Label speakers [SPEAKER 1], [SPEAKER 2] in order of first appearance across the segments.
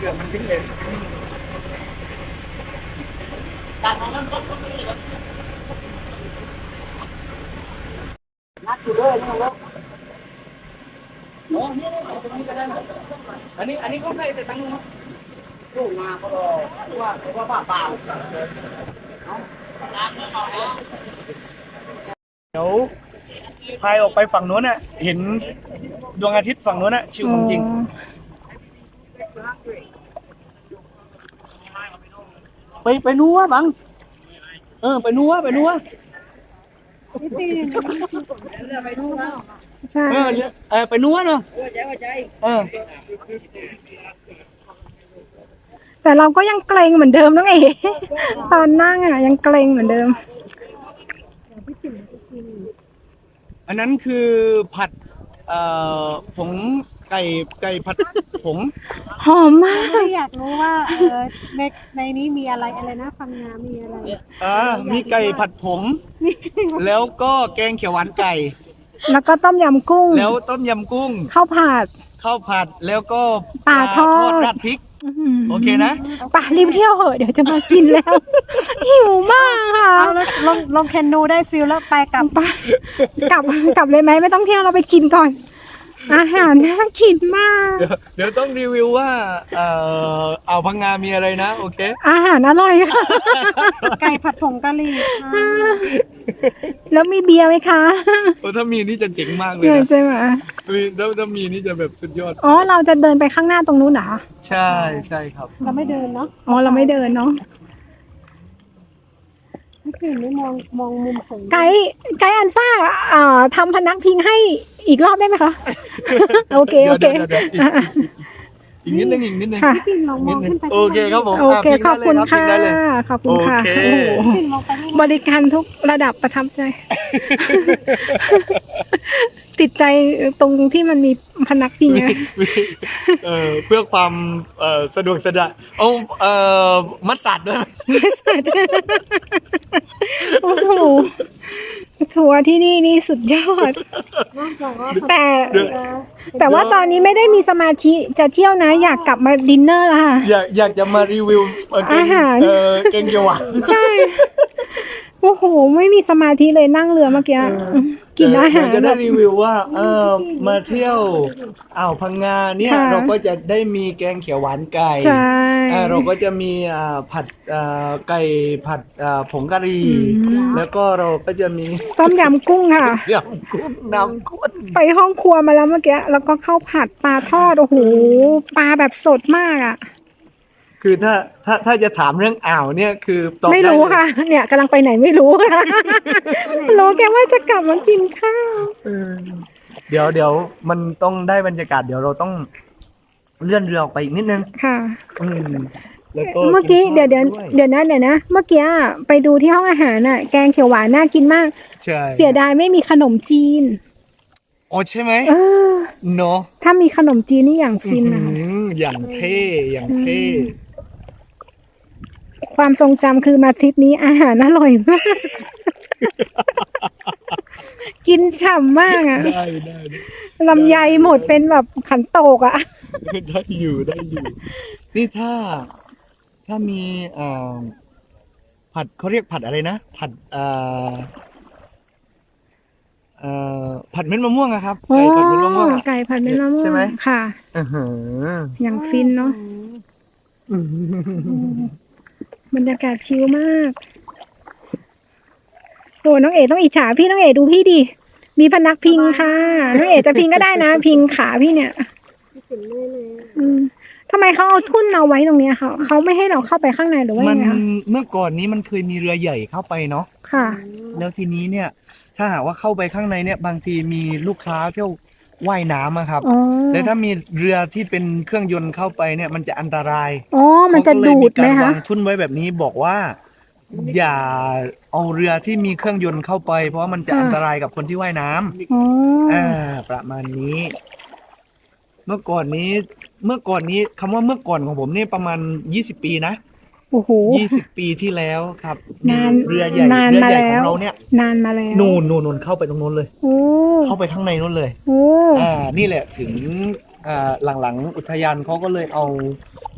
[SPEAKER 1] ลือกมันทิ้งเลยนักอยู่เลยนะครับอันนี้ก็ให้แต่ตั้งลูกนาก็รอว่าป่าเปล่าเดี๋ยวพายออกไปฝั่งโน้นน่ะเห็นดวงอาทิตย์ฝั่งโน้นน่ะชิวของจริงไปนัวบังไปนัวไปนัว
[SPEAKER 2] ใช่
[SPEAKER 1] ไปนัวเนาะ
[SPEAKER 2] แต่เราก็ยังเกรงเหมือนเดิมน้องเอ๋ตอนนั่งอ่ะยังเกรงเหมือนเดิม
[SPEAKER 1] อันนั้นคือผัดผงไก่ผัดผง
[SPEAKER 2] หอมมาก
[SPEAKER 3] อยากรู้ว่าในนี้มีอะไรนะฟังงามีอะไร
[SPEAKER 1] มีไก่ผัดผงแล้วก็แกงเขียวหวานไก่
[SPEAKER 2] แล้วก็ต้มยำกุ้ง
[SPEAKER 1] แล้วต้มยำกุ้ง
[SPEAKER 2] ข้าวผัด
[SPEAKER 1] แล้วก็
[SPEAKER 2] ปลาทอด
[SPEAKER 1] ราดพริกโอเคนะ
[SPEAKER 2] ป่ะรีบเที่ยวเหอะเดี๋ยวจะมากินแล้วหิวมากค่ะ
[SPEAKER 3] ลงแคนนูได้ฟิลแล้วไปกลับ
[SPEAKER 2] กลับเลยไหมไม่ต้องเที่ยวเราไปกินก่อนอาหารน่ากินมาก
[SPEAKER 1] เดี๋ยวต้องรีวิวว่าอ่าวพังงามีอะไรนะโอเค
[SPEAKER 2] อาหารอร่อยค่ะ
[SPEAKER 3] ไก่ผัดผงกะหรี่
[SPEAKER 2] แล้วมีเบียร์ไหมคะ
[SPEAKER 1] ถ้ามีนี่จะเจ๋งมากเลย
[SPEAKER 2] นะใช่ไหม
[SPEAKER 1] ถ้ามีนี่จะแบบสุดยอด
[SPEAKER 2] อ๋อเราจะเดินไปข้างหน้าตรงนู้นเหรอ
[SPEAKER 1] ใช่ครับ
[SPEAKER 3] เราไม่เดินเนาะ
[SPEAKER 2] อ๋อเราไม่เดินเนาะ
[SPEAKER 3] ไม่มองมุมของ
[SPEAKER 2] ไกด์อันซ่าทำพนักพิงให้อีกรอบได้ไหมคะโอเค
[SPEAKER 1] อีกนิดนึงโอเคครับผม
[SPEAKER 2] โอเคขอบคุณค่ะขอบคุณค่ะบริการทุกระดับประทับใจติดใจตรงที่มันมีพนักพิง
[SPEAKER 1] เพื่อความสะดวกสะดวกมัสตาร์ดด้วย
[SPEAKER 2] มัสตาร์ดโอ้โหทัวร์ที่นี่สุดยอดแต่ว่าตอนนี้ไม่ได้มีสมาธิจะเที่ยวนะอยากกลับมาดินเนอร์แล้วค่ะ
[SPEAKER 1] อยากจะมารีวิว
[SPEAKER 2] อาหาร
[SPEAKER 1] แกงเขียวหวาน
[SPEAKER 2] ใช่โอ้โหไม่มีสมาธิเลยนั่งเรือเมื่อกี้กินอาหาร
[SPEAKER 1] จะได้รีวิวว่ามาเที่ยวอ่าวพังงาเนี่ยเราก็จะได้มีแกงเขียวหวานไก่เราก็จะมีผัดไก่ผัดผงกะหรี่แล้วก็เราก็จะมี
[SPEAKER 2] ต้มยำกุ้งค่ะ
[SPEAKER 1] ยำกุ้งน้ำข้น
[SPEAKER 2] ไปห้องครัวมาแล้วเมื่อกี้แล้วก็ข้าวผัดปลาทอดโอ้โหปลาแบบสดมากอ่ะ
[SPEAKER 1] คือถ้าจะถามเรื่องอ่าวเนี่ยคือ
[SPEAKER 2] ไม่รู้ค่ะเนี่ยกำลังไปไหนไม่รู้ค่ะรู้แค่ว่าจะกลับมากินข้าว
[SPEAKER 1] เดี๋ยวมันต้องได้บรรยากาศเดี๋ยวเราต้องเลื่อนเรือออกไปอีกนิดนึง
[SPEAKER 2] ค่ะ
[SPEAKER 1] แล้วก็
[SPEAKER 2] เมื่อกี้เดี๋ยวนะเมื่อกี้ไปดูที่ห้องอาหารน่ะแกงเขียวหวานน่ากินมาก
[SPEAKER 1] ใช่
[SPEAKER 2] เสียดายไม่มีขนมจีน
[SPEAKER 1] อ๋อใช่ไหมเนาะ
[SPEAKER 2] ถ้ามีขนมจีนนี่อย่างฟินนะ
[SPEAKER 1] อย่างเท่
[SPEAKER 2] ความทรงจำคือมาทริปนี้อาหารอร่อยมากกินฉ่ำมากอ่ะ
[SPEAKER 1] ได้
[SPEAKER 2] ลำไยหมดเป็นแบบขันโตกอ่ะ
[SPEAKER 1] ได้อยู่นี่ถ้ามีผัดเขาเรียกผัดอะไรนะผัดผัดเม็ดมะม่วงอะครับ
[SPEAKER 2] ไก่ผัดเม็ดมะม่วงไก่ผัดเม็ดมะม่วง
[SPEAKER 1] ใช่ไหม
[SPEAKER 2] ค่ะอย่างฟินเนาะบรรยากาศชิลมากโอ้น้องเอ๋ต้องอิจฉาพี่น้องเอ๋ดูพี่ดิมีพนักพิงค่ะน้องเอ๋จะพิงก็ได้นะพิงขาพี่เนี่ยทำไมเขาเอาทุ่นเราไว้ตรงนี้ค่ะเขาไม่ให้เราเข้าไปข้างในหรือว่าไงคะ
[SPEAKER 1] เมื่อก่อนนี้มันเคยมีเรือใหญ่เข้าไปเนาะ
[SPEAKER 2] ค่ะ
[SPEAKER 1] แล้วทีนี้เนี่ยถ้าหากว่าเข้าไปข้างในเนี่ยบางทีมีลูกค้าเที่ยวว่ายน้ำอะครับแล้วถ้ามีเรือที่เป็นเครื่องยนต์เข้าไปเนี่ยมันจะอันตราย
[SPEAKER 2] มันจะดูดไหมคะ
[SPEAKER 1] วางทุ่นไว้แบบนี้บอกว่าอย่าเอาเรือที่มีเครื่องยนต์เข้าไปเพราะว่ามันจะอันตรายกับคนที่ว่ายน้ำประมาณนี้เมื่อก่อนนี้คำว่าเมื่อก่อนของผมเนี่ยประมาณ20 ปีนะ
[SPEAKER 2] โอ้โห
[SPEAKER 1] 20 ปีที่แล้วครับ
[SPEAKER 2] นาน
[SPEAKER 1] เรือใหญ่ของเราเนี่ย
[SPEAKER 2] นานมาแล้ว
[SPEAKER 1] นู่นเข้าไปตรงนู้นเลยเข้าไปข้างในนู้นเลยนี่แหละถึงหลังๆอุทยานเขาก็เลยเอา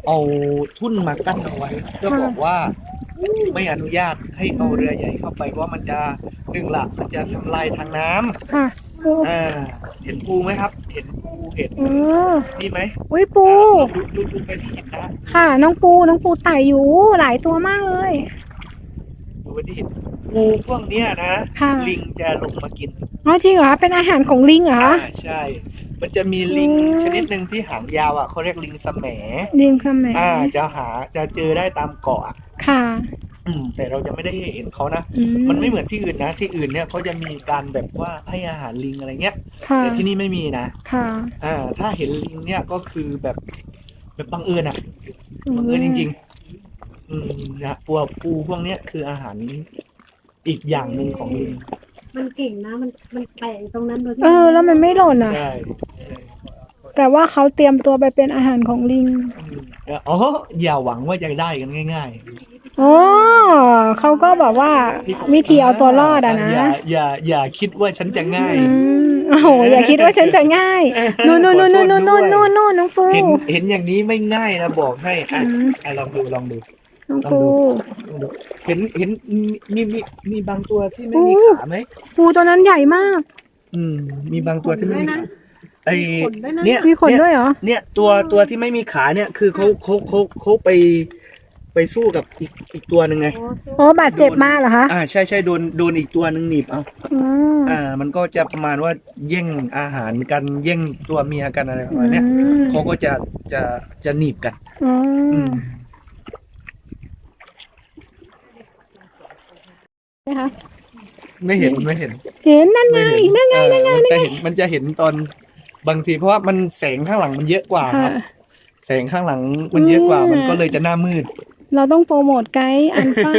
[SPEAKER 1] เอาทุ่นมากั้นเอาไว้เพื่อบอกว่าไม่อนุญาตให้เอาเรือใหญ่เข้าไปเพราะว่ามันจะหนึ่งละมันจะทำลายทางน้ำ
[SPEAKER 2] ค่ะปู
[SPEAKER 1] เห็นปูไหมครับ เห็นปูเห็น
[SPEAKER 2] เออ
[SPEAKER 1] นี่ไหม
[SPEAKER 2] อุ้ยปู
[SPEAKER 1] ดูไปที่หินนะ
[SPEAKER 2] ค่ะ น้องปูไต่อยู่หลายตัวมากเลย
[SPEAKER 1] ดูไปที่หินปูพวกเนี้ยนะ
[SPEAKER 2] ค่ะ
[SPEAKER 1] ลิงจะลงมากิน
[SPEAKER 2] อ๋อจริงเหรอเป็นอาหารของลิงเหรอคะ
[SPEAKER 1] ใช่ มันจะมีลิง
[SPEAKER 2] อืม
[SPEAKER 1] ชนิดหนึ่งที่หางยาวอ่ะเขาเรียกลิงสแหม
[SPEAKER 2] ลิงคำไหน
[SPEAKER 1] จะเจอได้ตามเกาะอะ
[SPEAKER 2] ค่ะ
[SPEAKER 1] แต่เราจะไม่ได้เห็นเขานะ
[SPEAKER 2] อื
[SPEAKER 1] มันไม่เหมือนที่อื่นนะ ที่อื่นเนี่ยเขาจะมีการแบบว่าให้อาหารลิงอะไรเงี้ย
[SPEAKER 2] ค่ะ
[SPEAKER 1] แต่ที่นี่ไม่มีนะ
[SPEAKER 2] ค่ะ
[SPEAKER 1] ถ้าเห็นลิงเนี่ยก็คือแบบบังเอิญอ่ะ บังเอิญจริงๆนะปูพวกเนี้ยคืออาหารอีกอย่างหนึ่งของลิง
[SPEAKER 3] มันเก่งนะมันแปะอยู่ตรงนั้นโดยที่
[SPEAKER 2] แล้วมันไม่หล่นอ่ะ
[SPEAKER 1] ใช่
[SPEAKER 2] แต่ว่าเขาเตรียมตัวไปเป็นอาหารของลิง
[SPEAKER 1] อ๋ออย่าหวังว่าจะได้กันง่าย
[SPEAKER 2] อ๋อเขาก็แบบว่า
[SPEAKER 1] ๆ
[SPEAKER 2] วิธีเอาตัวรอดอะนะ
[SPEAKER 1] อย่าคิดว่าฉันจะง่าย
[SPEAKER 2] โอ้โหอย่าคิดว่าฉันจะง่ายนู่นน้องปู
[SPEAKER 1] เห็นอย่างนี้ไม่ง่ายนะบอกให้ลองดู
[SPEAKER 2] น้องปู
[SPEAKER 1] เห็นมีบางตัวที่ไม่มีขาไหม
[SPEAKER 2] ปูตัวนั้นใหญ่มาก
[SPEAKER 1] มีบางตัวที่ไม่มีขาไอ
[SPEAKER 3] ขนด้วยนะ
[SPEAKER 1] เนี่ย
[SPEAKER 2] มีขนด้วยเหรอ
[SPEAKER 1] เนี่ยตัวที่ไม่มีขาเนี่ยคือเขาไปสู้กับอีกตัวหนึ่งไง
[SPEAKER 2] โอ้บาดเจ็บมากเหรอคะ
[SPEAKER 1] ใช่โดนอีกตัวหนึ่งหนีบเอา มันก็จะประมาณว่าแย่งอาหารกันแย่งตัวเมียกันอะไรประมาณเนี้ยเขาก็จะหนีบกัน
[SPEAKER 2] นะคะ
[SPEAKER 1] ไม่เห็น
[SPEAKER 2] เห็นนั่นไง
[SPEAKER 1] มันจะเห็นตอนบางทีเพราะว่ามันแสงข้างหลังมันเยอะกว่าค
[SPEAKER 2] ค่ะ
[SPEAKER 1] รับ แสงข้างหลังมันเยอะกว่ามันก็เลยจะหน้ามืด
[SPEAKER 2] เราต้องโปรโมทไกด์อันฟ้า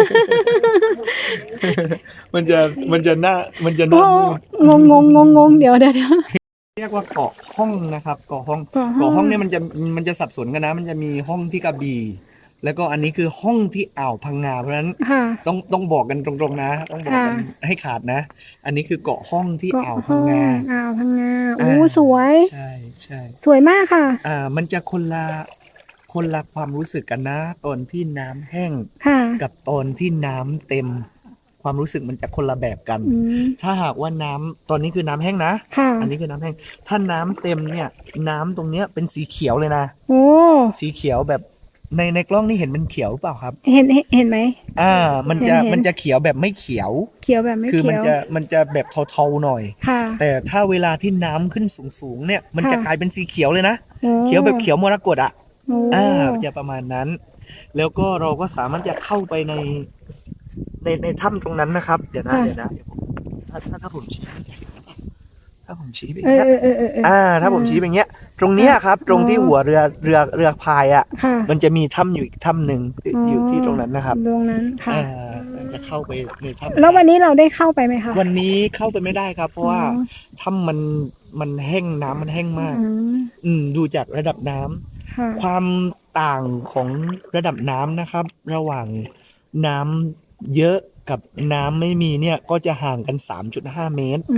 [SPEAKER 1] มันจะหน้ามืด
[SPEAKER 2] งงเดี๋ยว
[SPEAKER 1] เรียกว่าเกาะห้องนะครับเกาะห้องเนี่ยมันจะสับสนกันนะ มันจะมีห้องที่กระบี่ แล้วก็อันนี้คือห้องที่อ่าวพังงาเพราะฉะนั้น
[SPEAKER 2] ค่ะ
[SPEAKER 1] ต้องบอกกันตรงๆนะต้องบอกกันให้ขาดนะ อันนี้คือเกาะห้องที่อ่าวพังงา
[SPEAKER 2] อ่าวพังงาโอ้สวย
[SPEAKER 1] ใช่
[SPEAKER 2] สวยมากค่ะ
[SPEAKER 1] มันจะคนละความรู้สึกกันนะ ตอนที่น้ำแห้ง
[SPEAKER 2] ค่ะ
[SPEAKER 1] กับตอนที่น้ำเต็ม ความรู้สึกมันจะคนละแบบกัน
[SPEAKER 2] อืม
[SPEAKER 1] ถ้าหากว่าน้ำตอนนี้คือน้ำแห้งนะ
[SPEAKER 2] ค่ะ
[SPEAKER 1] อันนี้คือน้ำแห้ง ถ้าน้ำเต็มเนี่ย น้ำตรงเนี้ยเป็นสีเขียวเลยนะ
[SPEAKER 2] โอ้
[SPEAKER 1] สีเขียวแบบในกล้องนี่เห็นมันเขียวหรือเปล่าครับ
[SPEAKER 2] เห็นไหม
[SPEAKER 1] มัน
[SPEAKER 2] เห็น
[SPEAKER 1] มันจะเขียวแบบไม่เขียว
[SPEAKER 2] เขียวแบบไม่
[SPEAKER 1] คือ
[SPEAKER 2] เขี
[SPEAKER 1] มัน
[SPEAKER 2] ยว
[SPEAKER 1] จะแบบเทาๆหน่อย
[SPEAKER 2] ค่ะ
[SPEAKER 1] แต่ถ้าเวลาที่น้ำขึ้นสูงๆเนี่ย มันจะ
[SPEAKER 2] ค่ะ
[SPEAKER 1] กลายเป็นสีเขียวเลยนะ
[SPEAKER 2] โอ้
[SPEAKER 1] เขียวแบบเขียวมรกตอ่ะ
[SPEAKER 2] โอ้
[SPEAKER 1] จะประมาณนั้น แล้วก็เราก็สามารถจะเข้าไปในถ้ำตรงนั้นนะครับ เดี๋ยวนะถ้าผมชี้ไปอย่างเงี้ย ถ้าผมชี้ไปอย่างเงี้ย ตรงเนี้ยครับ ตรงที่หัวเรือพายอ่ะ
[SPEAKER 2] ค่ะ
[SPEAKER 1] มันจะมีถ้ำอยู่อีกถ้ำหนึ่งอยู่ที่ตรงนั้นนะครับ
[SPEAKER 2] ตรงนั้นค่ะ
[SPEAKER 1] จะเข้าไปในถ้ำ
[SPEAKER 2] แล้ววันนี้เราได้เข้าไปไหมคะ
[SPEAKER 1] วันนี้เข้าไปไม่ได้ครับ เพราะว่า
[SPEAKER 2] อ๋อ
[SPEAKER 1] ถ้ำมันแห้งน้ำมันแห้งมาก ดูจากระดับน้ำ
[SPEAKER 2] ค่ะ
[SPEAKER 1] ความต่างของระดับน้ำนะครับ ระหว่างน้ำเยอะกับน้ำไม่มีเนี่ยก็จะห่างกัน 3.5 เมตร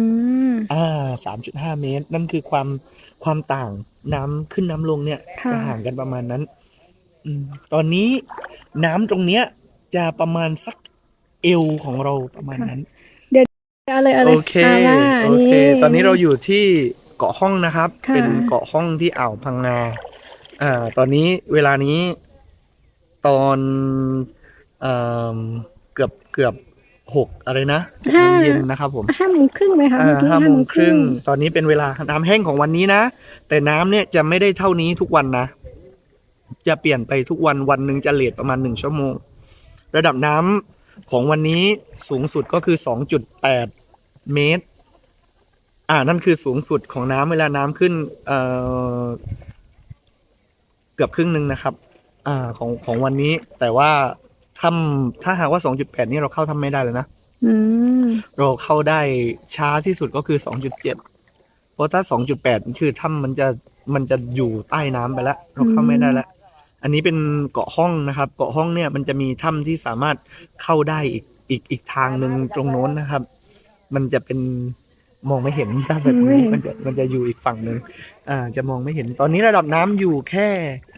[SPEAKER 1] 3.5 เมตร นั่นคือความต่างน้ำขึ้นน้ำลงเนี่ย
[SPEAKER 2] ค่ะ
[SPEAKER 1] จะห่างกันประมาณนั้น ตอนนี้น้ำตรงเนี้ยจะประมาณสักเอวของเราประมาณนั้น
[SPEAKER 2] เอาเลย
[SPEAKER 1] โอเค
[SPEAKER 2] มา
[SPEAKER 1] โอเค ตอนนี้เราอยู่ที่เกาะห้องนะครับ
[SPEAKER 2] ค่ะ
[SPEAKER 1] เป็นเกาะห้องที่อ่าวพังงา ตอนนี้เวลานี้ตอนเอ่อเกือบ6อะไรนะ6 โมงเย็นนะครับผม
[SPEAKER 2] 5:30ไหมคะเมื่อกี้
[SPEAKER 1] 5 โมงครึ่ง ตอนนี้เป็นเวลาน้ำแห้งของวันนี้นะ แต่น้ำเนี่ยจะไม่ได้เท่านี้ทุกวันนะ จะเปลี่ยนไปทุกวัน วันหนึ่งจะเลทประมาณ1 ชั่วโมง ระดับน้ำของวันนี้สูงสุดก็คือ 2.8 เมตร นั่นคือสูงสุดของน้ำเวลาน้ำขึ้นเกือบครึ่งหนึ่งนะครับ ของวันนี้ แต่ว่าถ้าหากว่า 2.8 นี่เราเข้าทำไม่ได้เลยนะ
[SPEAKER 2] อืม
[SPEAKER 1] เราเข้าได้ช้าที่สุดก็คือ 2.7 เพราะถ้า 2.8 คือถ้ำมันจะอยู่ใต้น้ำไปแล้ว เราเข้าไม่ได้แล้ว อันนี้เป็นเกาะห้องนะครับ เกาะห้องเนี่ยมันจะมีถ้ำที่สามารถเข้าได้อีกทางหนึ่งตรงโน้นนะครับ มันจะเป็นมองไม่เห็นถ้าแบบนี้มันจะอยู่อีกฝั่งหนึ่งจะมองไม่เห็น ตอนนี้ระดับน้ำอยู่แค่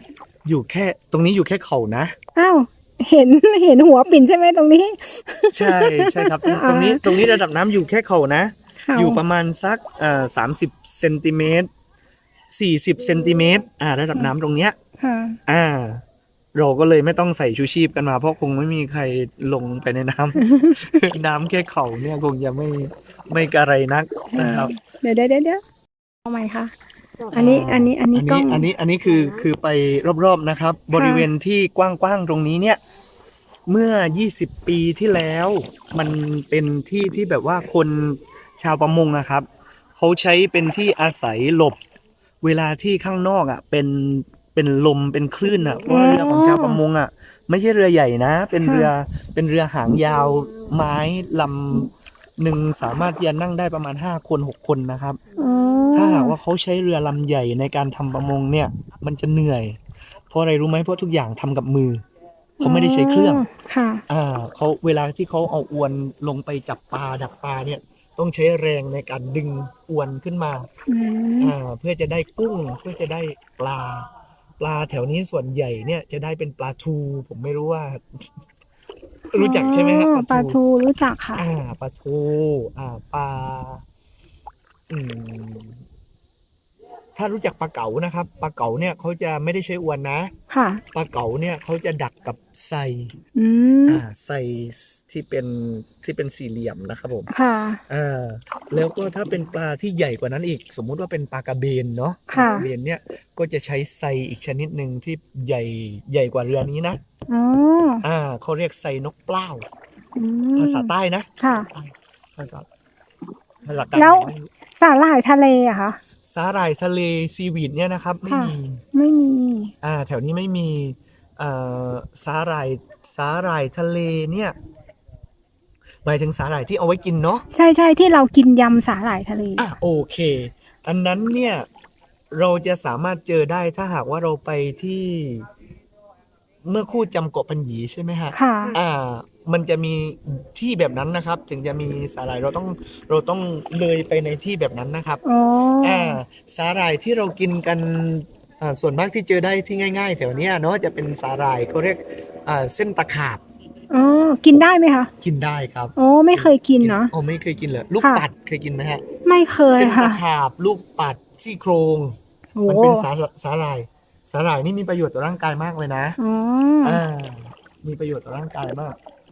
[SPEAKER 1] อยู่แค่ตรงนี้อยู่แค่เขานะ
[SPEAKER 2] อ้าวเห็นเห็นหัวปิ่นใช่ไหมตรงนี้
[SPEAKER 1] ใช่ใช่ครับตรงนี้ระดับน้ำอยู่แค่เขานะ
[SPEAKER 2] เขา
[SPEAKER 1] อยู่ประมาณสัก30เซนติเมตร40เซนติเมตรระดับน้ำตรงเนี้ย
[SPEAKER 2] ค่ะ
[SPEAKER 1] อ่า เราก็เลยไม่ต้องใส่ชูชีพกันมาเพราะคงไม่มีใครลงไปในน้ำ น้ำแค่เขาเนี่ยคงจะไม่กระไรนักนะครับ
[SPEAKER 2] เดี๋ยวเอาใหม่ค่ะ อันนี้กล้อง
[SPEAKER 1] อันนี้คือไปรอบๆนะครับ บริเวณที่กว้างๆตรงนี้เนี่ย เมื่อ20ปีที่แล้วมันเป็นที่ที่แบบว่าคนชาวประมงนะครับเขาใช้เป็นที่อาศัยหลบเวลาที่ข้างนอกอ่ะเป็นลมเป็นคลื่นอ่ะเพราะว่าเรือของชาวประมงอ่ะไม่ใช่เรือใหญ่นะ เป็นเรือหางยาวไม้ลำหนึ่งสามารถที่จะนั่งได้ประมาณ5 คน6 คนนะครับ
[SPEAKER 2] อ๋อ
[SPEAKER 1] ถ้าหากว่าเขาใช้เรือลำใหญ่ในการทำประมงเนี่ย มันจะเหนื่อย เพราะอะไรรู้ไหมเพราะทุกอย่างทำกับมือ เขาไม่ได้ใช้เครื่อง
[SPEAKER 2] ค่ะ
[SPEAKER 1] เขาเวลาที่เขาเอาอวนลงไปจับปลาดักปลาเนี่ย ต้องใช้แรงในการดึงอวนขึ้นมา
[SPEAKER 2] อืม
[SPEAKER 1] เพื่อจะได้กุ้งเพื่อจะได้ปลาแถวนี้ส่วนใหญ่เนี่ยจะได้เป็นปลาทู ผมไม่รู้ว่า รู้จักใช่ไหมครับ
[SPEAKER 2] ปลาทูรู้จักค่ะ
[SPEAKER 1] ปลาทูปลาอืมถ้ารู้จักปลาเก๋านะครับปลาเก๋าเนี่ยเขาจะไม่ได้ใช้อวนนะ
[SPEAKER 2] ค่ะ
[SPEAKER 1] ปลาเก๋าเนี่ยเขาจะดักกับไซ
[SPEAKER 2] อืม
[SPEAKER 1] ไซที่เป็นสี่เหลี่ยมนะครับผม
[SPEAKER 2] ค่ะ
[SPEAKER 1] แล้วก็ถ้าเป็นปลาที่ใหญ่กว่านั้นอีก สมมุติว่าเป็นปลากระเบนเนาะป
[SPEAKER 2] ค่ะ
[SPEAKER 1] ลากระเบนเนี่ยก็จะใช้ไซอีกชนิดหนึ่งที่ใหญ่กว่าเรือนี้นะ
[SPEAKER 2] อ๋อ
[SPEAKER 1] เขาเรียกไซนกเปล้า
[SPEAKER 2] อืม
[SPEAKER 1] ภาษาใต้นะ
[SPEAKER 2] ค่ะ
[SPEAKER 1] ภาษาหลักการ
[SPEAKER 2] แล้ว สาหร่ายทะเลอะคะ
[SPEAKER 1] สาหร่ายทะเลซีวีดเนี่ยนะครับไม่
[SPEAKER 2] ค่ะ
[SPEAKER 1] มี
[SPEAKER 2] ไม่มี
[SPEAKER 1] แถวนี้ไม่มีเอ่อสาหร่ายทะเลเนี่ยหมายถึงสาหร่ายที่เอาไว้กินเนาะ
[SPEAKER 2] ใช่ที่เรากินยำสาหร่ายทะเล
[SPEAKER 1] โอเค อันนั้นเนี่ยเราจะสามารถเจอได้ถ้าหากว่าเราไปที่เมื่อคู่จำเกาะปัญญีใช่ไหมฮะ
[SPEAKER 2] ค่ะ
[SPEAKER 1] มันจะมีที่แบบนั้นนะครับ ถึงจะมีสาหร่ายเราต้องเลยไปในที่แบบนั้นนะครับ
[SPEAKER 2] อ๋อ
[SPEAKER 1] สาหร่ายที่เรากินกันส่วนมากที่เจอได้ที่ง่ายๆแถวเนี้ยเนาะจะเป็นสาหร่ายเขาเรียกเส้นตะขาบ
[SPEAKER 2] อ๋อ กินได้ไหมคะ
[SPEAKER 1] กินได้ครับ
[SPEAKER 2] โอ้ไม่เคยกินเนาะ
[SPEAKER 1] ไม่เคยกินเลยลูก
[SPEAKER 2] ค่ะ
[SPEAKER 1] ปัดเคยกินไหมฮะ
[SPEAKER 2] ไม่เคย
[SPEAKER 1] เส้น
[SPEAKER 2] ค่ะ
[SPEAKER 1] ตะขาบลูกปัดซี่โครง
[SPEAKER 2] โอ้
[SPEAKER 1] มันเป็นสาหร่ายนี่มีประโยชน์ต่อร่างกายมากเลยนะ
[SPEAKER 2] อ๋อ
[SPEAKER 1] มีประโยชน์ต่อร่างกายมาก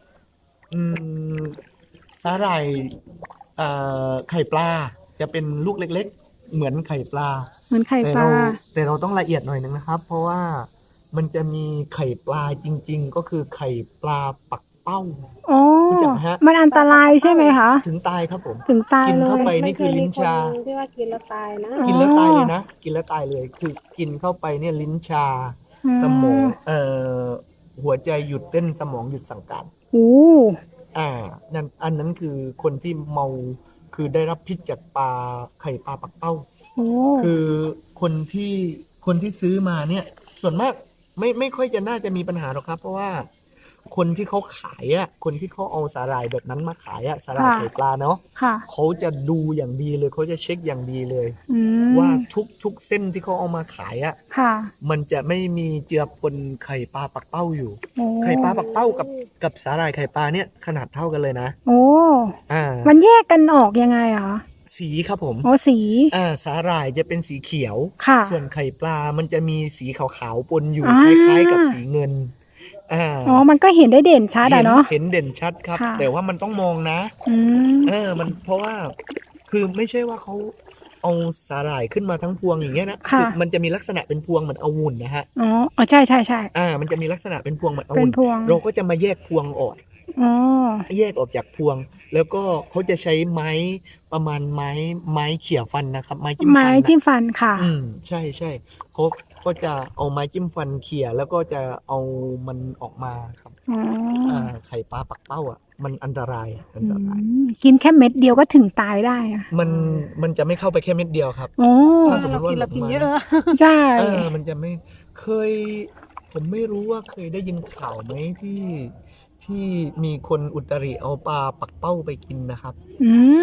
[SPEAKER 1] สาหร่ายไข่ปลาจะเป็นลูกเล็กๆ เหมือนไข่ปลา
[SPEAKER 2] เหมือนไข่ปลา
[SPEAKER 1] แต่เราต้องละเอียดหน่อยนึงนะครับ เพราะว่ามันจะมีไข่ปลาจริง ๆ ก็คือไข่ปลาปักเป้า
[SPEAKER 2] อ๋อ
[SPEAKER 1] รู้จักไหมฮะ
[SPEAKER 2] มันอันตรายใช่ไหมคะ
[SPEAKER 1] ถึงตายครับผม
[SPEAKER 2] ถึงตาย
[SPEAKER 1] กิน
[SPEAKER 2] เล
[SPEAKER 1] เข้าย ไปนี่คือลิ้นชา
[SPEAKER 3] ไม่เคยมีคนที่ว่ากินแล้วตายนะ
[SPEAKER 2] อ๋อ
[SPEAKER 1] กินแล้วตายเลยนะ กินแล้วตายเลย คือกินเข้าไปเนี่ยลิ้นชา สมองหัวใจหยุดเต้นสมองหยุดสั่งการ
[SPEAKER 2] โอ้
[SPEAKER 1] อันนั้นคือคนที่เมาคือได้รับพิษจากไข่ปลาปักเป้า
[SPEAKER 2] โอ้
[SPEAKER 1] คือคนที่ซื้อมาเนี่ย ส่วนมากไม่ค่อยจะน่าจะมีปัญหาหรอกครับ เพราะว่าคนที่เขาขายคนที่เขาเอาสาหร่ายแบบนั้นมาขายสาหร่ายไข่ปลาเนาะ
[SPEAKER 2] ค่ะ
[SPEAKER 1] เขาจะดูอย่างดีเลยเขาจะเช็คอย่างดีเลย
[SPEAKER 2] อืม
[SPEAKER 1] ว่าทุกเส้นที่เขาเอามาขาย
[SPEAKER 2] ค่ะ
[SPEAKER 1] มันจะไม่มีเจือปนไข่ปลาปักเป้าอยู่
[SPEAKER 2] โอ้
[SPEAKER 1] ไข่ปลาปักเป้ากับสาหร่ายไข่ปลาเนี่ยขนาดเท่ากันเลยนะ
[SPEAKER 2] โอ้ มันแยกกันออกยังไงอะคะ
[SPEAKER 1] สีครับผม
[SPEAKER 2] โอ้สี
[SPEAKER 1] สาหร่ายจะเป็นสีเขียว
[SPEAKER 2] ค่ะ
[SPEAKER 1] ส่วนไข่ปลามันจะมีสีขาวๆปนอยู่
[SPEAKER 2] อ่า
[SPEAKER 1] คล้ายๆกับสีเงิน
[SPEAKER 2] อ๋อ มันก็เห็นได้เด่นชัดอะเนาะ
[SPEAKER 1] เห็นเด่นชัดครับ
[SPEAKER 2] ค่ะ
[SPEAKER 1] แต่ว่ามันต้องมองนะ
[SPEAKER 2] อืม
[SPEAKER 1] มันเพราะว่าคือไม่ใช่ว่าเขาเอาสาหร่ายขึ้นมาทั้งพวงอย่างเงี้ยนะ
[SPEAKER 2] ค่ะ
[SPEAKER 1] อมันจะมีลักษณะเป็นพวงเหมือนองุ่นนะฮะ
[SPEAKER 2] อ๋อ ใช่
[SPEAKER 1] มันจะมีลักษณะเป็นพวงเหมือนองุ่
[SPEAKER 2] เป็นพวง
[SPEAKER 1] เราก็จะมาแยกพวงออก
[SPEAKER 2] อ๋อ
[SPEAKER 1] แยกออกจากพวง แล้วก็เขาจะใช้ไม้ประมาณไม้เขี่ยฟันนะครับ ไม้จิ้มฟัน
[SPEAKER 2] ไม้จิ้มฟันค่ะ
[SPEAKER 1] ใช่เขาก็จะเอาไม้จิ้มฟันเขี่ยแล้วก็จะเอามันออกมาครับ
[SPEAKER 2] อ๋อ
[SPEAKER 1] ไข่ปลาปักเป้ามันอันตราย
[SPEAKER 2] กินแค่เม็ดเดียวก็ถึงตายได้อะ
[SPEAKER 1] มันจะไม่เข้าไปแค่เม็ดเดียวครับ
[SPEAKER 2] โอ้
[SPEAKER 1] ถ้าสมมติว่า
[SPEAKER 3] เรากิน
[SPEAKER 1] หลุดมา
[SPEAKER 3] เยอะ
[SPEAKER 2] ใช่
[SPEAKER 1] มันจะไม่เคย ผมไม่รู้ว่าเคยได้ยินข่าวไหมที่มีคนอุตริเอาปลาปักเป้าไปกินนะครับ
[SPEAKER 2] อืม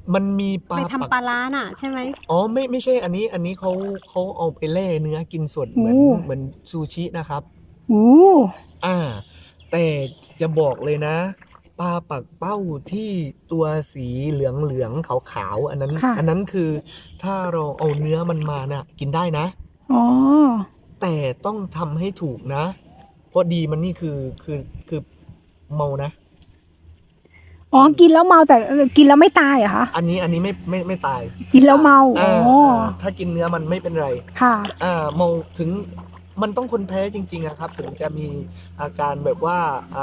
[SPEAKER 1] มันมีปลา
[SPEAKER 3] ไป
[SPEAKER 1] ปัก
[SPEAKER 3] ทำปลาร้าน่ะใช่ไหม
[SPEAKER 1] อ๋อไม่ใช่อันนี้เขาเอาไปแล่เนื้อกินสดเหมือนซูชินะครับ
[SPEAKER 2] โอ้
[SPEAKER 1] อ่า แต่จะบอกเลยนะปลาปักเป้าที่ตัวสีเหลืองขาวๆอันนั้นคือถ้าเราเอาเนื้อมันมาน่ะกินได้นะ
[SPEAKER 2] อ๋อ
[SPEAKER 1] แต่ต้องทำให้ถูกนะ เพราะดีมันนี่คือเมานะ
[SPEAKER 2] อ๋อกินแล้วเมาแต่กินแล้วไม่ตายเหรอคะ
[SPEAKER 1] อันนี้ไม่ตาย
[SPEAKER 2] กินแล้วเมาอ๋อ
[SPEAKER 1] ถ้ากินเนื้อมันไม่เป็นไร
[SPEAKER 2] ค่ะ
[SPEAKER 1] เมาถึงมันต้องคนแพ้จริงๆอะครับ ถึงจะมีอาการแบบว่า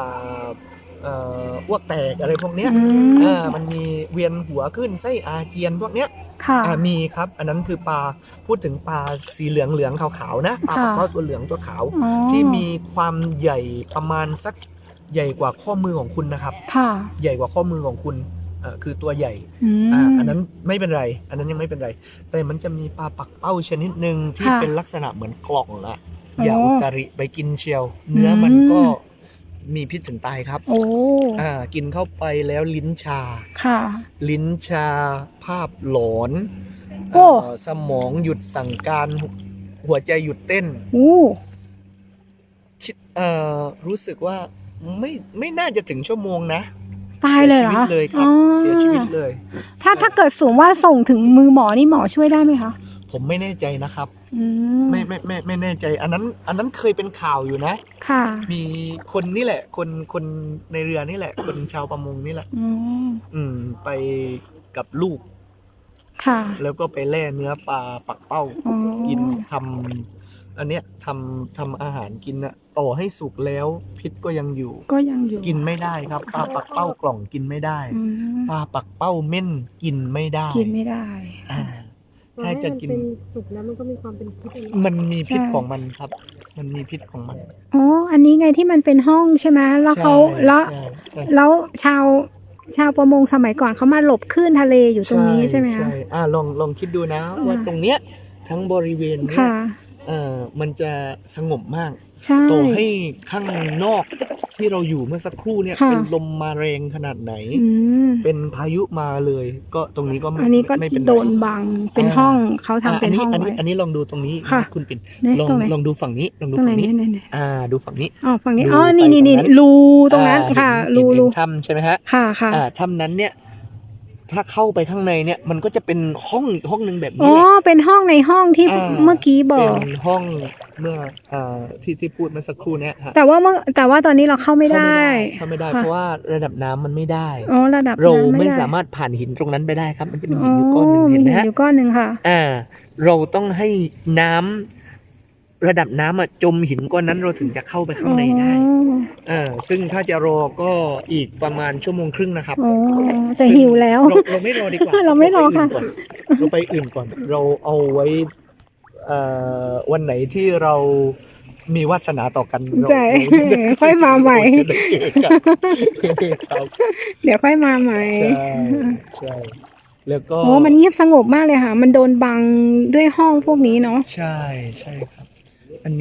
[SPEAKER 1] อ้วกแตกอะไรพวกเนี้ย มันมีเวียนหัวขึ้นไส้อาเจียนพวกเนี้ย
[SPEAKER 2] ค่ะ
[SPEAKER 1] มีครับ อันนั้นคือปลาพูดถึงปลาสีเหลืองขาวๆนะปลา
[SPEAKER 2] ค่ะ
[SPEAKER 1] ปักเป้าตัวเหลืองตัวขาว
[SPEAKER 2] อ๋อ
[SPEAKER 1] ที่มีความใหญ่ประมาณสักใหญ่กว่าข้อมือของคุณนะครับ
[SPEAKER 2] ค่ะ
[SPEAKER 1] ใหญ่กว่าข้อมือของคุณคือตัวใหญ่
[SPEAKER 2] อืม
[SPEAKER 1] อันนั้นไม่เป็นไร อันนั้นยังไม่เป็นไร แต่มันจะมีปลาปักเป้าชนิดหนึ่งที่
[SPEAKER 2] ค่ะ
[SPEAKER 1] เป็นลักษณะเหมือนกล่องอะ
[SPEAKER 2] อ๋อ
[SPEAKER 1] อย่าอุตริไปกินเชียว เนื้อมัน
[SPEAKER 2] อืม
[SPEAKER 1] ก็มีพิษถึงตายครับ
[SPEAKER 2] โอ้
[SPEAKER 1] กินเข้าไปแล้วลิ้นชา
[SPEAKER 2] ค่ะ
[SPEAKER 1] ลิ้นชาภาพหลอน
[SPEAKER 2] โอ้
[SPEAKER 1] สมองหยุดสั่งการหัวใจหยุดเต้น
[SPEAKER 2] โอ้
[SPEAKER 1] คิดรู้สึกว่าไม่น่าจะถึงชั่วโมงนะ
[SPEAKER 2] ตายเลยเหรอ
[SPEAKER 1] สีชีวิ
[SPEAKER 2] คะ
[SPEAKER 1] ตเลยครับ
[SPEAKER 2] อ๋อ
[SPEAKER 1] เสียชีวิตเลย
[SPEAKER 2] ถ้าเกิดสูงว่าส่งถึงมือหมอนี่หมอช่วยได้ไหมคะ
[SPEAKER 1] ผมไม่แน่ใจนะครับ
[SPEAKER 2] อืม
[SPEAKER 1] ไม่แน่ใจ อันนั้นเคยเป็นข่าวอยู่นะ
[SPEAKER 2] ค่ะ
[SPEAKER 1] มีคนนี่แหละ คนในเรือนี่แหละ คนชาวประมงนี่แหละ
[SPEAKER 2] อืม
[SPEAKER 1] ไปกับลูก
[SPEAKER 2] ค่ะ
[SPEAKER 1] แล้วก็ไปแล่เนื้อปลาปักเป้า
[SPEAKER 2] อ๋อ
[SPEAKER 1] กินทำอันเนี้ยทำอาหารกินนะต่อให้สุกแล้วพิษก็ยังอยู่
[SPEAKER 2] ก็ยังอยู่
[SPEAKER 1] กินไม่ได้ครับปลาปักเป้ากล่องกินไม่ได้
[SPEAKER 2] อืม
[SPEAKER 1] ปลาปักเป้าเม่นกินไม่ได้
[SPEAKER 2] กินไม่ได้
[SPEAKER 1] อ่าถ้าจะกิน
[SPEAKER 3] มันเป็นสุกแล้วมันก็มีความเป็นพิษอะไร
[SPEAKER 1] มันมีพิษ
[SPEAKER 2] ใช่
[SPEAKER 1] ของมันครับ มันมีพิษของมัน
[SPEAKER 2] อ๋อ อันนี้ไงที่มันเป็นห้องใช่ไหมแล้วเขา
[SPEAKER 1] ใช่
[SPEAKER 2] แล้ว
[SPEAKER 1] ใช่
[SPEAKER 2] แล้วชาวประมงสมัยก่อนเขามาหลบคลื่นทะเลอยู่ตรงนี้ใช่ไหมคะ
[SPEAKER 1] ลองคิดดูนะว่าตรงเนี้ยทั้งบริเวณเนี้ย
[SPEAKER 2] ค่ะ
[SPEAKER 1] มันจะสงบมาก
[SPEAKER 2] ใช่
[SPEAKER 1] ต่อให้ข้างนอกที่เราอยู่เมื่อสักครู่เนี่ย
[SPEAKER 2] ค่ะ
[SPEAKER 1] เป็นลมมาแรงขนาดไหน
[SPEAKER 2] อืม
[SPEAKER 1] เป็นพายุมาเลย ก็ตรงนี้ก็ไม่
[SPEAKER 2] อันนี้ก็
[SPEAKER 1] ไม่เป็นไร
[SPEAKER 2] โดนบังเป็นห้องเขาทำเป็นห้อง
[SPEAKER 1] อัน
[SPEAKER 2] ไว้
[SPEAKER 1] นี้ลองดูตรงนี้
[SPEAKER 2] ค่ะ
[SPEAKER 1] นะคุณปิ่น
[SPEAKER 2] เนี่ย
[SPEAKER 1] ลอง
[SPEAKER 2] ตรงไหน
[SPEAKER 1] ลองดูฝั่งนี้ลอง
[SPEAKER 2] ต
[SPEAKER 1] ดู
[SPEAKER 2] รงไหน
[SPEAKER 1] ฝั่งนี้
[SPEAKER 2] เนี่ย
[SPEAKER 1] ดูฝั่งนี้
[SPEAKER 2] อ๋อฝั่งนี้
[SPEAKER 1] ดู
[SPEAKER 2] อ๋อนี่
[SPEAKER 1] ไป
[SPEAKER 2] นี่
[SPEAKER 1] ตรงนั้น
[SPEAKER 2] รูตรงนั้นค่ะ
[SPEAKER 1] เห็น
[SPEAKER 2] รู
[SPEAKER 1] ถ้ำใช่ไหมฮะ
[SPEAKER 2] ค่ะค่ะ
[SPEAKER 1] ถ้ำนั้นเนี่ยถ้าเข้าไปข้างในเนี่ยมันก็จะเป็นห้องอีกห้องหนึ่งแบบ
[SPEAKER 2] อ๋
[SPEAKER 1] นี้
[SPEAKER 2] อ
[SPEAKER 1] แหละ
[SPEAKER 2] เป็นห้องในห้องที่
[SPEAKER 1] อ่า
[SPEAKER 2] เมื่อกี้บอก
[SPEAKER 1] เป็นห้องเมื่อที่พูดเมื่อสักครู่เนี้ยฮะ
[SPEAKER 2] แต่ว่าตอนนี้เราเข้าไม่ได้
[SPEAKER 1] เข้าไม่ได้
[SPEAKER 2] ค่ะ
[SPEAKER 1] เพราะว่าระดับน้ำมันไม่ได้
[SPEAKER 2] อ๋อระดับ
[SPEAKER 1] เรา
[SPEAKER 2] น้ำ
[SPEAKER 1] ไม่
[SPEAKER 2] ด้
[SPEAKER 1] สามารถผ่านหินตรงนั้นไปได้ครับ มันจะมีหินอยู่ก้อนหนึ่ง
[SPEAKER 2] มี
[SPEAKER 1] เห็นไหม
[SPEAKER 2] หิน
[SPEAKER 1] ฮะ
[SPEAKER 2] อยู่ก้อนหนึ่งค่ะ
[SPEAKER 1] เราต้องให้น้ำระดับน้ำจมหินก้อนนั้นเราถึงจะเข้าไปข้างในได้ ซึ่งถ้าจะรอก็อีกประมาณชั่วโมงครึ่งนะครับ
[SPEAKER 2] อ๋อแต่หิวแล้ว
[SPEAKER 1] เราไม่รอดีกว่า
[SPEAKER 2] เราไม่รอค่ะ
[SPEAKER 1] เราไปอื่นก่อน เราเอาไว้วันไหนที่เรามีวาสนาต่อกันเรา
[SPEAKER 2] ใช่
[SPEAKER 1] เราจะ
[SPEAKER 2] ค่อยมาใหม่
[SPEAKER 1] เราจะได้เจอกันครับ
[SPEAKER 2] เดี๋ยวค่อยมาใหม่
[SPEAKER 1] ใช่แล้วก็
[SPEAKER 2] โอ้มันเงียบสงบมากเลยค่ะ มันโดนบังด้วยห้องพวกนี้เนาะ
[SPEAKER 1] ใช่ครับ อัน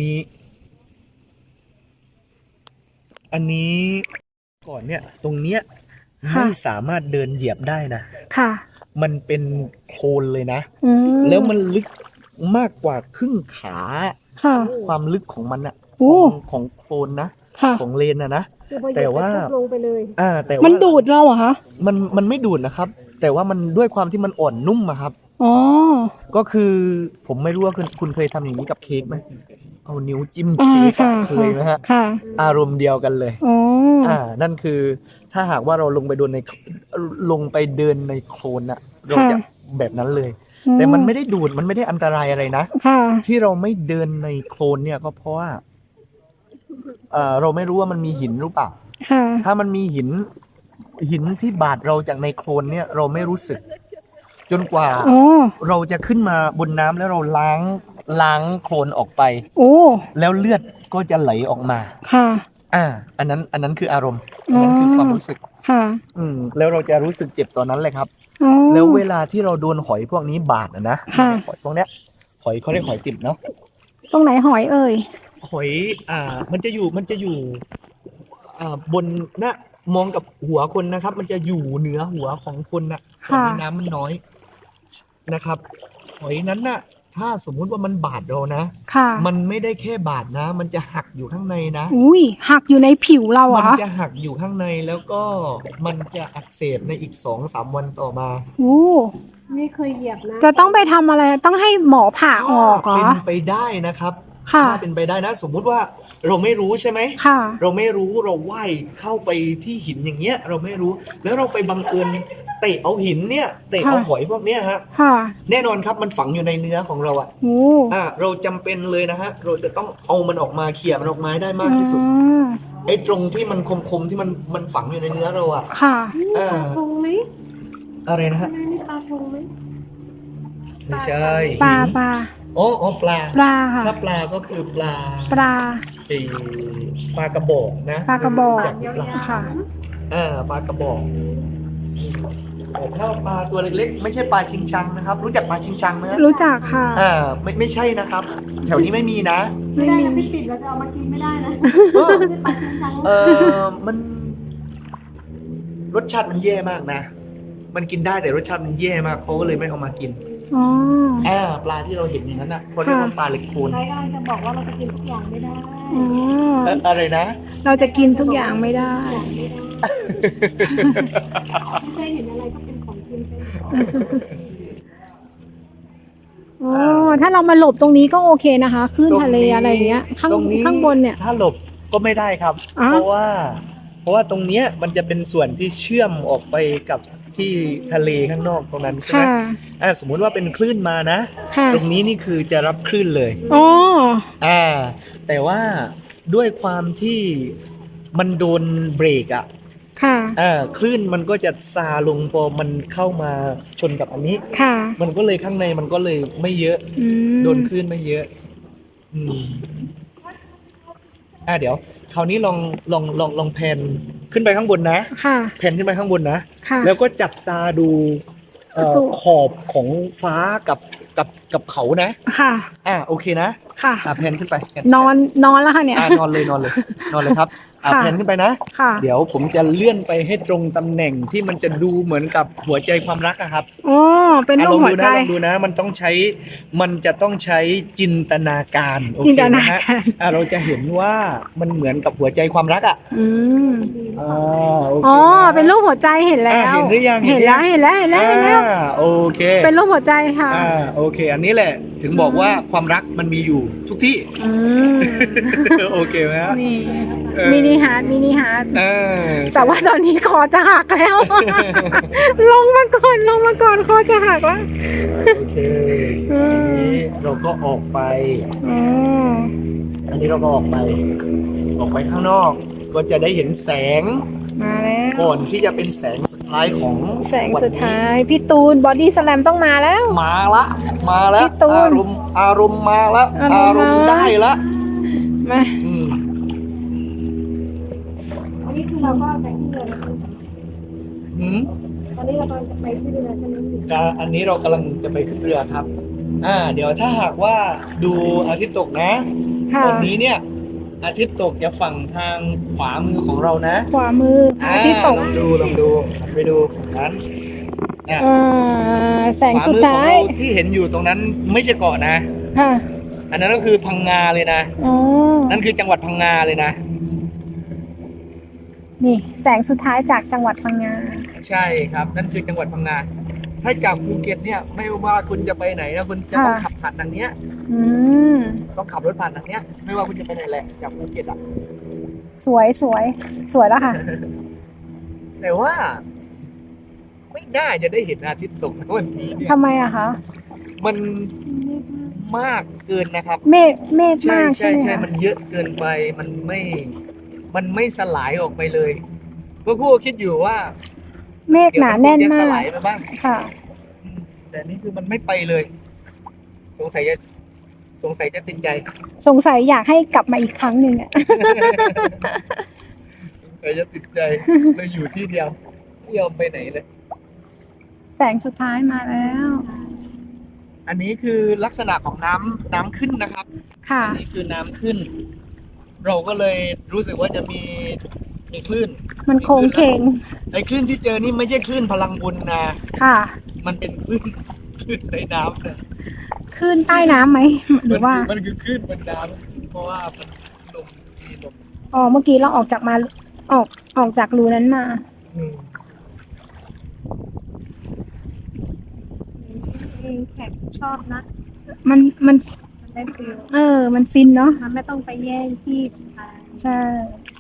[SPEAKER 1] นี้ก่อนเนี่ยตรงเนี้ยไม่สามารถเดินเหยียบได้นะ
[SPEAKER 2] ค่ะ
[SPEAKER 1] มันเป็นโคลนเลยนะ
[SPEAKER 2] อืม
[SPEAKER 1] แล้วมันลึกมากกว่าครึ่งขา
[SPEAKER 2] ค่ะ
[SPEAKER 1] ความลึกของมันอะ
[SPEAKER 2] โอ้
[SPEAKER 1] ของโคลนนะ
[SPEAKER 2] ค่ะ
[SPEAKER 1] ของเลนนะ
[SPEAKER 3] คือพอเหยียบ
[SPEAKER 1] แต่ว่า
[SPEAKER 3] ปุ๊บลงไปเลย
[SPEAKER 1] แต่ว่า
[SPEAKER 2] มันดูดเราเหรอคะ
[SPEAKER 1] มันไม่ดูดนะครับ แต่ว่ามันด้วยความที่มันอ่อนนุ่มอะครับ
[SPEAKER 2] อ๋อ
[SPEAKER 1] ก็คือผมไม่รู้ว่าคุณเคยทำอย่างนี้กับเค้กไหมเอานิ้วจิ้ม
[SPEAKER 2] อ่า
[SPEAKER 1] เค้ก
[SPEAKER 2] ค่ะ
[SPEAKER 1] อะเคยไหมฮะ
[SPEAKER 2] ค่ะ
[SPEAKER 1] อารมณ์เดียวกันเลย
[SPEAKER 2] อ๋อ
[SPEAKER 1] นั่นคือถ้าหากว่าเราลงไปเดินในโคลนอะเราจะแบบนั้นเลย แต่มันไม่ได้ดูดมันไม่ได้อันตรายอะไรนะ
[SPEAKER 2] ค่ะ
[SPEAKER 1] ที่เราไม่เดินในโคลนเนี่ยก็เพราะว่าเราไม่รู้ว่ามันมีหินหรือเปล่า
[SPEAKER 2] ค่ะ
[SPEAKER 1] ถ้ามันมีหินที่บาดเราจากในโคลนเนี่ยเราไม่รู้สึก จนกว่า
[SPEAKER 2] อ๋อ
[SPEAKER 1] เราจะขึ้นมาบนน้ำแล้วเราล้างโคลนออกไป
[SPEAKER 2] โอ้
[SPEAKER 1] แล้วเลือดก็จะไหลออกมา
[SPEAKER 2] ค่ะ
[SPEAKER 1] อันนั้นคืออารมณ์อันนั้นคือความรู้สึก
[SPEAKER 2] ค่ะ
[SPEAKER 1] แล้วเราจะรู้สึกเจ็บตอนนั้นเลยครับ
[SPEAKER 2] อ๋อ
[SPEAKER 1] แล้วเวลาที่เราโดนหอยพวกนี้บาดนะ
[SPEAKER 2] ค่ะ
[SPEAKER 1] หอยพวกเนี้ยหอยเขาเรียกหอยติบเนาะ
[SPEAKER 2] ตรงไหนหอยเอ่ย
[SPEAKER 1] หอยมันจะอยู่บนมองกับหัวคนนะครับ มันจะอยู่เหนือหัวของคนนะตอน
[SPEAKER 2] ค่ะ
[SPEAKER 1] นี้น้ำมันน้อยนะครับ หอยนั้นน่ะ ถ้าสมมุติว่ามันบาดเรานะ
[SPEAKER 2] ค่ะ
[SPEAKER 1] มันไม่ได้แค่บาดนะ มันจะหักอยู่ข้างในนะ
[SPEAKER 2] อุ้ยหักอยู่ในผิวเราเหร
[SPEAKER 1] มัน
[SPEAKER 2] อ
[SPEAKER 1] จะหักอยู่ข้างในแล้วก็มันจะอักเสบในอีก 2-3 วันต่อมา
[SPEAKER 2] อู้
[SPEAKER 3] ไม่เคยเหยียบนะ
[SPEAKER 2] จะต้องไปทำอะไรต้องให้หมอผ่าออกเหร
[SPEAKER 1] เป็
[SPEAKER 2] อ
[SPEAKER 1] นไปได้นะครับ
[SPEAKER 2] ค่ะ
[SPEAKER 1] ถ้าเป็นไปได้นะ สมมุติว่าเราไม่รู้ใช่ไหม
[SPEAKER 2] ค่ะ
[SPEAKER 1] เราไม่รู้เราว่ายเข้าไปที่หินอย่างเงี้ย เราไม่รู้ แล้วเราไปบังเอิญเตะเอาหินเนี่ยเตะเอา
[SPEAKER 2] ค่ะ
[SPEAKER 1] หอยพวกเนี้ยฮะ
[SPEAKER 2] ค่ะ
[SPEAKER 1] แน่นอนครับมันฝังอยู่ในเนื้อของเราอะ
[SPEAKER 2] โอ้
[SPEAKER 1] เราจำเป็นเลยนะฮะเราจะต้องเอามันออกมาเขี่ยมันออกมาให้ได้มากที่สุด
[SPEAKER 2] อืม
[SPEAKER 1] ไอ้ตรงที่มันคมๆที่มันฝังอยู่ในเนื้อเราอะ
[SPEAKER 2] ค่ะ
[SPEAKER 1] เอ
[SPEAKER 3] ปลา
[SPEAKER 1] อ
[SPEAKER 3] ทงไหม
[SPEAKER 1] อะไรนะฮะ
[SPEAKER 3] นายนี่ปลาทงไหม
[SPEAKER 1] ไม่ใช่
[SPEAKER 2] ปลา
[SPEAKER 1] หิน
[SPEAKER 2] ปลา
[SPEAKER 1] อ๋อปลา
[SPEAKER 2] ปลาค่ะ
[SPEAKER 1] ถ้าปลาก็คือปลา
[SPEAKER 2] ปลา
[SPEAKER 1] ไอ้ปลากระบอกนะ
[SPEAKER 2] ปลากระบอก
[SPEAKER 1] จากหรือเปล่า
[SPEAKER 2] ค่ะ
[SPEAKER 1] ปลากระบอกแต่ถ้าปลาตัวเล็กๆ ไม่ใช่ปลาชิงชังนะครับ รู้จักปลาชิงชังไหมฮะ
[SPEAKER 2] รู้จักค่ะ
[SPEAKER 1] ไม่ใช่นะครับ แถวนี้ไม่มีนะ
[SPEAKER 3] ไม่ได้นะพี่ปิดเราจะเอามากินไม่ได้นะ
[SPEAKER 1] เออ
[SPEAKER 3] ไม่ได้ปลาชิงชัง
[SPEAKER 1] มันรสชาติมันแย่มากนะ มันกินได้แต่รสชาติมันแย่มากเขาก็เลยไม่เอามากิน
[SPEAKER 2] อ๋อ
[SPEAKER 1] ปลาที่เราเห็นอย่างนั้นอ่ะเขาเรียกว่าปลาเหล็กโคน
[SPEAKER 3] นายกำลังจะบอกว่าเราจะกินทุกอย่างไม่ได้
[SPEAKER 2] อ๋อ
[SPEAKER 1] อะไรนะ
[SPEAKER 2] เราจะกินทุกอย่างไม่ได้
[SPEAKER 3] ไม่เคยเห็นอะไรก็เป็นของกินไปหมด
[SPEAKER 2] อ๋อ ถ้าเรามาหลบตรงนี้ก็โอเคนะคะคลื่นทะเลอะไรอย่างเงี้ย ข้าง
[SPEAKER 1] ตรงนี้
[SPEAKER 2] ข้างบนเนี่ย
[SPEAKER 1] ถ้าหลบก็ไม่ได้ครับ
[SPEAKER 2] อ้าว
[SPEAKER 1] เพราะว่าตรงเนี้ยมันจะเป็นส่วนที่เชื่อมออกไปกับที่ทะเลข้างนอกตรงนั้นใช่ไหม
[SPEAKER 2] ค่ะ
[SPEAKER 1] สมมุติว่าเป็นคลื่นมานะ
[SPEAKER 2] ค่ะ
[SPEAKER 1] ตรงนี้นี่คือจะรับคลื่นเลย
[SPEAKER 2] อ๋อ
[SPEAKER 1] แต่ว่าด้วยความที่มันโดนเบรกอ่ะ
[SPEAKER 2] ค่ะ
[SPEAKER 1] คลื่นมันก็จะซาลงพอมันเข้ามาชนกับอันนี้
[SPEAKER 2] ค่ะ
[SPEAKER 1] มันก็เลยข้างในมันก็เลยไม่เยอะ
[SPEAKER 2] อืม
[SPEAKER 1] โดนคลื่นไม่เยอะ อืมเดี๋ยว คราวนี้ลองแพนขึ้นไปข้างบนนะ
[SPEAKER 2] ค่ะ
[SPEAKER 1] แพนขึ้นไปข้างบนนะ
[SPEAKER 2] ค่ะ
[SPEAKER 1] แล้วก็จับตาดู
[SPEAKER 2] ประตู
[SPEAKER 1] ขอบของฟ้ากับเขานะ
[SPEAKER 2] ค่ะ
[SPEAKER 1] โอเคนะ
[SPEAKER 2] ค่ะ
[SPEAKER 1] แพนขึ้นไปแพ
[SPEAKER 2] นอนแล้วค่ะเนี่ย
[SPEAKER 1] นอนเลยนอนเลยครับ
[SPEAKER 2] ค่ะ
[SPEAKER 1] แพนขึ้นไปนะ
[SPEAKER 2] ค่ะ
[SPEAKER 1] เดี๋ยวผมจะเลื่อนไปให้ตรงตำแหน่งที่มันจะดูเหมือนกับหัวใจความรักอะครับ
[SPEAKER 2] อ๋อ เป็นรู
[SPEAKER 1] ล
[SPEAKER 2] ป
[SPEAKER 1] อง
[SPEAKER 2] หัว
[SPEAKER 1] ดู
[SPEAKER 2] ใจ
[SPEAKER 1] นะลองดูนะ มันจะต้องใช้จินตนาการโอ
[SPEAKER 2] จิน
[SPEAKER 1] เค
[SPEAKER 2] ตนา
[SPEAKER 1] นะฮะ
[SPEAKER 2] การ
[SPEAKER 1] เราจะเห็นว่ามันเหมือนกับหัวใจความรักอ่ะ
[SPEAKER 2] อืม
[SPEAKER 1] โอเค
[SPEAKER 2] อ๋อ
[SPEAKER 1] นะ
[SPEAKER 2] เป็นรูปหัวใจเห็นแล้ว
[SPEAKER 1] เห็นหรือยัง
[SPEAKER 2] เห็นแล้วเห็นแล้วเห็นแล้วเห็นแล้ว
[SPEAKER 1] โอเค
[SPEAKER 2] เป็นรูปหัวใจค่ะ
[SPEAKER 1] โอเค อันนี้แหละถึงบอกว่าความรักมันมีอยู่ทุกที่
[SPEAKER 2] อืม
[SPEAKER 1] โอเคไหมฮะ
[SPEAKER 2] นี่
[SPEAKER 1] เออ
[SPEAKER 2] มินิฮาร์ดมินิฮาร์ด
[SPEAKER 1] เออ
[SPEAKER 2] แต่ว่าตอนนี้คอจะหักแล้ว ลงมาก่อนคอจะหักแล้ว
[SPEAKER 1] โอเคอันนี้เราก็ออกไป
[SPEAKER 2] อ๋อ
[SPEAKER 1] อันนี้เราก็ออกไปข้างนอก ก็จะได้เห็นแสง
[SPEAKER 2] มาแล้ว
[SPEAKER 1] ก่อนที่จะเป็นแสงสุดท้ายของ
[SPEAKER 2] แสงสุดท้าย พี่ตูนบอดี้สแลมต้องมาแล้ว
[SPEAKER 1] มาละ
[SPEAKER 2] พี่ตูน
[SPEAKER 1] อารมณ์มาละ
[SPEAKER 2] อารมณ์มา
[SPEAKER 1] ได้ละ
[SPEAKER 2] มา
[SPEAKER 1] อืม
[SPEAKER 3] อันนี้คือเราก็ไปที่เรือแล้ว
[SPEAKER 1] หืม
[SPEAKER 3] ตอนนี้เรากำลังจะไปที่เรือใช่ไหมพี่
[SPEAKER 1] อันนี้เรากำลังจะไปขึ้นเรือครับ เดี๋ยวถ้าหากว่าดูอาทิตย์ตกนะ
[SPEAKER 2] ค่ะ
[SPEAKER 1] ตอนนี้เนี่ย อาทิตย์ตกจะฝั่งทางขวามือของเรานะ
[SPEAKER 2] ขวามืออาที่ตก
[SPEAKER 1] ลองดูหันไปดูนั้นเนี่ย
[SPEAKER 2] แสงสุดท้าย
[SPEAKER 1] ขวมือของเราที่เห็นอยู่ตรงนั้นไม่ใช่เกาะนะ
[SPEAKER 2] ค่ะ
[SPEAKER 1] อันนั้นก็คือพังงาเลยนะ
[SPEAKER 2] อ๋อ
[SPEAKER 1] นั่นคือจังหวัดพังงาเลยนะ
[SPEAKER 2] นี่แสงสุดท้ายจากจังหวัดพังงา
[SPEAKER 1] ใช่ครับ นั่นคือจังหวัดพังงา ถ้าจากภูเก็ตเนี่ยไม่ว่าคุณจะไปไหนนะคุณจะต้อง
[SPEAKER 2] ค่ะ
[SPEAKER 1] ขับผ่านทางเนี้ย
[SPEAKER 2] อืม
[SPEAKER 1] ต้องขับรถผ่านทางเนี้ย ไม่ว่าคุณจะไปไหนแหละจากภูเก็ตอ่ะ
[SPEAKER 2] สวยแล้วค่ะ
[SPEAKER 1] แต่ว่า ไม่น่าจะได้เห็นอาทิตย์ตกนะวันนี้เนี่ย
[SPEAKER 2] ทำไมอะคะ
[SPEAKER 1] มันมากเกินนะครับ
[SPEAKER 2] เมฆมากใช่ไหม
[SPEAKER 1] ใช่
[SPEAKER 2] คะ
[SPEAKER 1] มันเยอะเกินไปมันไม่สลายออกไปเลยก็พูดคิดอยู่ว่า
[SPEAKER 2] เมฆหนาแน่น
[SPEAKER 1] เดี๋ยวมัคงจะส
[SPEAKER 2] มา
[SPEAKER 1] ลาก ยไปบ้าง
[SPEAKER 2] ค่ะ
[SPEAKER 1] แต่นี่คือมันไม่ไปเลย สงสัยจะติดใจ
[SPEAKER 2] สงสัยอยากให้กลับมาอีกครั้งหนึ่งอะ
[SPEAKER 1] สงสัยจะติดใจเลยอยู่ที่เดียวไม่ยอมไปไหนเลย
[SPEAKER 2] แสงสุดท้ายมาแล้ว
[SPEAKER 1] อันนี้คือลักษณะของน้ำขึ้นนะครับ
[SPEAKER 2] ค่ะ
[SPEAKER 1] อันนี้คือน้ำขึ้น เราก็เลยรู้สึกว่าจะมีคลื่น
[SPEAKER 2] มันโค้งเคง
[SPEAKER 1] ไอ้คลื่นที่เจอนี่ไม่ใช่คลื่นพลังบุญนะ
[SPEAKER 2] ค่ะ
[SPEAKER 1] มันเป็นคลื่นในน้ำเนี่ย
[SPEAKER 2] ขึ้นใต้น้ำไหมหรือว่า
[SPEAKER 1] มันคือคลื่นบนน้ำเพราะว่ามันลมมีลม
[SPEAKER 2] อ๋อเมื่อกี้เราออกจากมาออกออกจากรูนั้นมา
[SPEAKER 1] อืม
[SPEAKER 3] เองแขกชอบนะ
[SPEAKER 2] มัน
[SPEAKER 3] มันได้ฟิล
[SPEAKER 2] มันฟินเนาะ
[SPEAKER 3] มันไม่ต้องไปแย่งที่ใคร
[SPEAKER 2] ใช่